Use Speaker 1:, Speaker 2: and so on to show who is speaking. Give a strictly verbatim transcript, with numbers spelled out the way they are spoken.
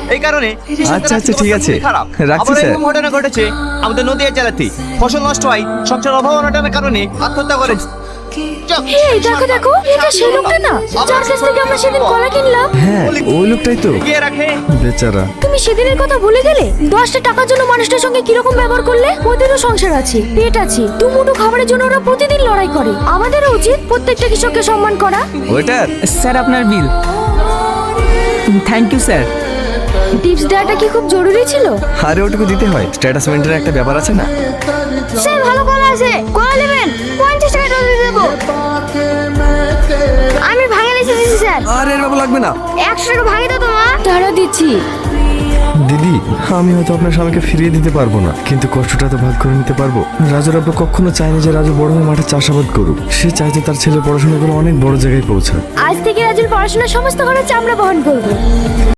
Speaker 1: এই কারণে
Speaker 2: আচ্ছা আচ্ছা ঠিক আছে,
Speaker 1: খারাপ।
Speaker 2: রাখছি
Speaker 1: আবার
Speaker 2: স্যার।
Speaker 1: এরকম ঘটনা ঘটেছে আমাদের নদীয়া জেলাতে, ফসল নষ্ট হয়, সংসার অভাব অনটনের কারণে আত্মহত্যা করে।
Speaker 3: এই দেখো দেখো, এটা সেই লোকটা না যার কাছ থেকে আমরা সেদিন কলা কিনলাম?
Speaker 2: হ্যাঁ ওই লোকটাই তো,
Speaker 1: এগিয়ে রাখে।
Speaker 2: বেচারা।
Speaker 3: তুমি সেদিনের কথা ভুলে গেলে? দশটা টাকার জন্য মানুষটার সঙ্গে কিরকম ব্যবহার করলে? ওদেরও সংসার আছে, পেট আছে, দুমুঠো খাবারের জন্য ওরা প্রতিদিন লড়াই করে। আমাদেরও উচিত প্রত্যেকটা কৃষককে সম্মান করা।
Speaker 2: ওয়েটার,
Speaker 4: স্যার আপনার bill. Thank you sir.
Speaker 3: Tips দেওয়াটা কি খুব জরুরি ছিল?
Speaker 2: আরে ওটুকু দিতে হয়, স্ট্যাটাস মেন্টের একটা ব্যাপার আছে না।
Speaker 3: স্যার ভালো কলা আছে, কলা নেবেন? পঞ্চাশ টাকা দিয়ে দেবো। আমি ভাঙে নিয়ে এসেছি স্যার।
Speaker 2: আরে এর বাবু লাগবে না।
Speaker 3: একশো টাকা ভাঙে দাও তোমা। তারা দিচ্ছি।
Speaker 2: দিদি, আমি হয়তো আপনার স্বামীকে ফিরিয়ে দিতে পারবো না, কিন্তু কষ্টটা তো ভাগ করে নিতে পারবো। রাজুর আব্বা কখনো চায়নি যে রাজু বড় হয়ে মাঠে চাষাবাদ করুক। সে চাইতো তার ছেলে পড়াশোনা করে অনেক বড় জায়গায় পৌঁছাক।
Speaker 3: আজ থেকে রাজুর পড়াশোনার সমস্ত খরচ আমরা বহন করবো।